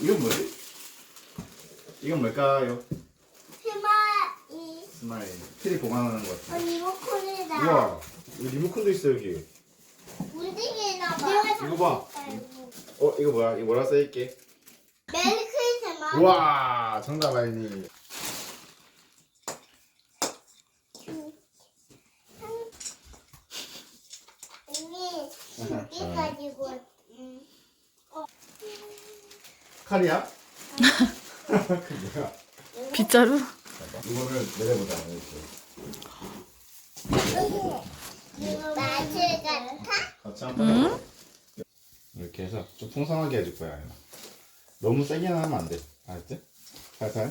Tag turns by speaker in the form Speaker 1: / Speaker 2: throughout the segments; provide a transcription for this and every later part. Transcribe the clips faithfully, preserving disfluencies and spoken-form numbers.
Speaker 1: 이건 뭐지? 이건 뭘까요?
Speaker 2: 스마일.
Speaker 1: 스마일. 트리 보관하는 것
Speaker 2: 어,
Speaker 1: 같아.
Speaker 2: 리모컨이다.
Speaker 1: 우와, 여기 리모컨도 있어 여기.
Speaker 2: 움직이나 봐.
Speaker 1: 이거 봐. 어, 이거 뭐야? 이거 뭐라 써있게?
Speaker 2: 메리 크리스마스.
Speaker 1: 우와, 정답 아이니.
Speaker 2: 언니, 이게 가지고. 음. 어.
Speaker 1: 칼이야? 그 뭐야?
Speaker 3: 빗자루?
Speaker 1: 이거를 내려보자. 이렇게.
Speaker 2: 마실 같아?
Speaker 1: 같이 한번
Speaker 3: 응?
Speaker 1: 해봐. 이렇게 해서 좀 풍성하게 해줄 거야. 아이나. 너무 세게 하면 안 돼. 알았지? 살살.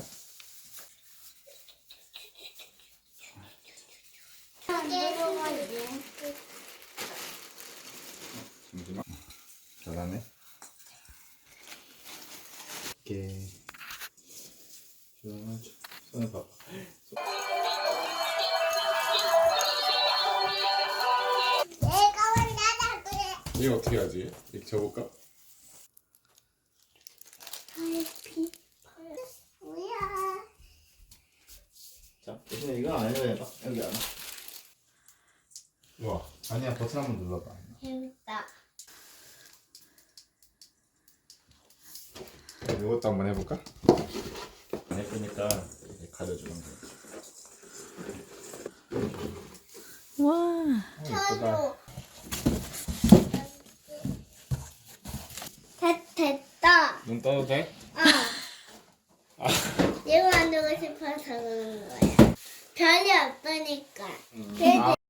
Speaker 1: 잠시만. 잘하네. 이렇게. 손을 손을 봐봐.
Speaker 2: 내가 혼자다 그래.
Speaker 1: 이거 어떻게 하지? 이렇게 접을까?
Speaker 2: 달피. 뭐야?
Speaker 1: 자, 대신에 이거 안 해도 해봐. 여기 안. 우와, 아니야 버튼 한번 눌러봐.
Speaker 2: 재밌다.
Speaker 1: 이것도 한번 해볼까? 안 예쁘니까 이렇게 가려주는 거야.
Speaker 3: 와.
Speaker 1: 어, 예쁘다.
Speaker 2: 저도. 됐, 됐다.
Speaker 1: 눈 떠도 돼?
Speaker 2: 어. 이거 만들고 싶어서 그런 거야. 별이 없으니까.
Speaker 1: 음.
Speaker 2: 돼지
Speaker 1: 아.